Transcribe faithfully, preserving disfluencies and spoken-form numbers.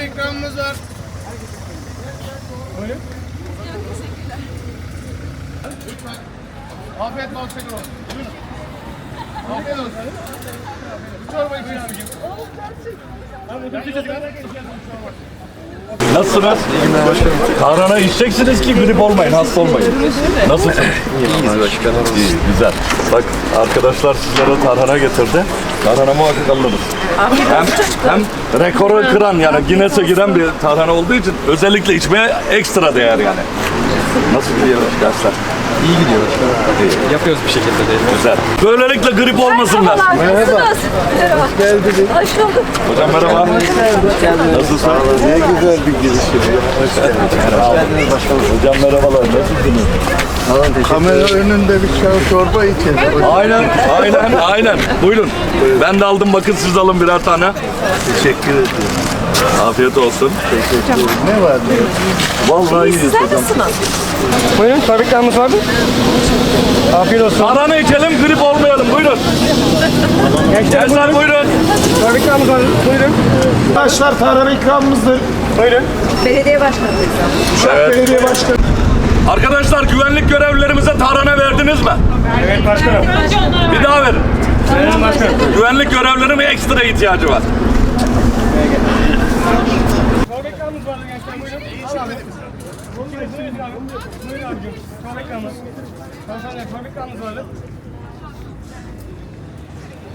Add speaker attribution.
Speaker 1: tarhana ikramımız var. Buyurun. Lütfen. Afiyet bal şeker olsun. Buyurun. Afiyet olsun. Bu çorba için abicim.
Speaker 2: Nasılsınız? Tarhana içeceksiniz ki grip olmayın, hasta olmayın. Nasılsınız?
Speaker 3: İyiyiz başkanım.
Speaker 2: İyi, güzel. Bak arkadaşlar sizlere tarhana getirdi. Tarhana muhakkak alırız. Hem, hem rekoru kıran yani Guinness'e giren bir tarhana olduğu için özellikle içmeye ekstra değer yani. Nasıl gidiyor dersler?
Speaker 3: İyi gidiyor başkanım. Yapıyoruz bir şekilde de.
Speaker 2: Güzel. Böylelikle grip olmasınlar.
Speaker 4: Merhaba. Merhaba. Hoş geldiniz. Hoş bulduk.
Speaker 2: Hocam merhaba. Nasılsın?
Speaker 5: Ne güzel bir giriş. Hoş geldiniz başkanım.
Speaker 2: Hocam merhabalar. Nasılsınız?
Speaker 5: Kamera önünde bir çay çorba içelim.
Speaker 2: Aynen, aynen, aynen. Buyurun. Ben de aldım, bakın siz de alın birer tane.
Speaker 5: Teşekkür ederim.
Speaker 2: Afiyet olsun.
Speaker 5: Teşekkür ederim. Ne var ne yok?
Speaker 2: Vallahi iyiyiz
Speaker 4: Sizler
Speaker 2: hocam.
Speaker 4: nasılsınız?
Speaker 1: Buyurun, tabii var mı? Afiyet olsun.
Speaker 2: Tarhana içelim, grip olmayalım. Buyurun. Gençler buyurun.
Speaker 1: Tabii var. Buyurun. Arkadaşlar tarhana ikramımızdır. Buyurun.
Speaker 4: Belediye başkanı.
Speaker 2: Evet.
Speaker 1: Belediye başkanı.
Speaker 2: Arkadaşlar güvenlik görevlilerimize tarhana verdiniz mi?
Speaker 1: Evet başkanım.
Speaker 2: Bir daha verin.
Speaker 1: Evet başkanım.
Speaker 2: Güvenlik görevlilerine ekstra ihtiyacı var.
Speaker 1: Çorba ikramımız vardı gençler. Buyurun. Al abi. Buyurun abicim. Buyurun abicim. Çorba ikramımız. Çorba ikramımız vardı.